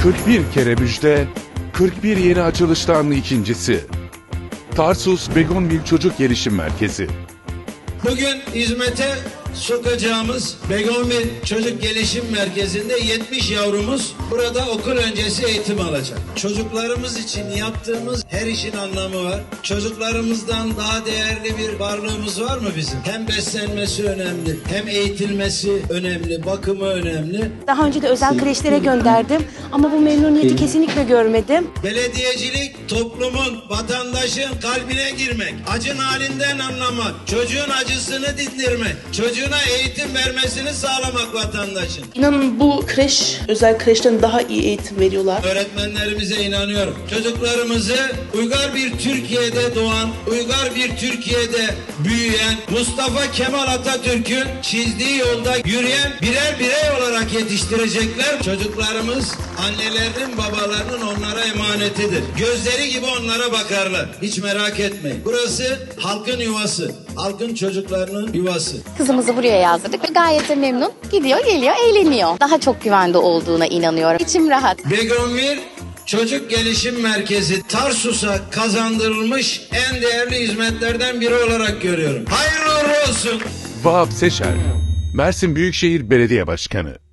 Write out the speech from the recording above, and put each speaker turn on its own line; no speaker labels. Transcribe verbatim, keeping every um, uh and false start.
kırk bir kere müjde, kırk bir yeni açılıştan ikincisi. Tarsus Begonvil Çocuk Gelişim Merkezi.
Bugün hizmete sokacağımız Begonvil Çocuk Gelişim Merkezi'nde yetmiş yavrumuz burada okul öncesi eğitim alacak. Çocuklarımız için yaptığımız her işin anlamı var. Çocuklarımızdan daha değerli bir varlığımız var mı bizim? Hem beslenmesi önemli, hem eğitilmesi önemli, bakımı önemli.
Daha önce de özel kreşlere gönderdim ama bu memnuniyeti kesinlikle görmedim.
Belediyecilik toplumun, vatandaşın kalbine girmek, acın halinden anlamak, çocuğun acısını dindirmek, çocuğuna eğitim vermesini sağlamak vatandaşın.
İnanın bu kreş, özel kreşten daha iyi eğitim veriyorlar.
Öğretmenlerimize inanıyorum. Çocuklarımızı uygar bir Türkiye'de doğan, uygar bir Türkiye'de büyüyen, Mustafa Kemal Atatürk'ün çizdiği yolda yürüyen birer birey olarak yetiştirecekler. Çocuklarımız annelerinin, babalarının onlara emanetidir. Gözleri gibi onlara bakarlar. Hiç merak etmeyin. Burası halkın yuvası. Halkın çocuklarının yuvası.
Kızımızı buraya yazdırdık ve gayet de memnun. Gidiyor, geliyor, eğleniyor. Daha çok güvende olduğuna inanıyorum. İçim rahat.
Begonvil Çocuk Gelişim Merkezi Tarsus'a kazandırılmış en değerli hizmetlerden biri olarak görüyorum. Hayırlı uğurlu olsun.
Vahap Seçer, Mersin Büyükşehir Belediye Başkanı.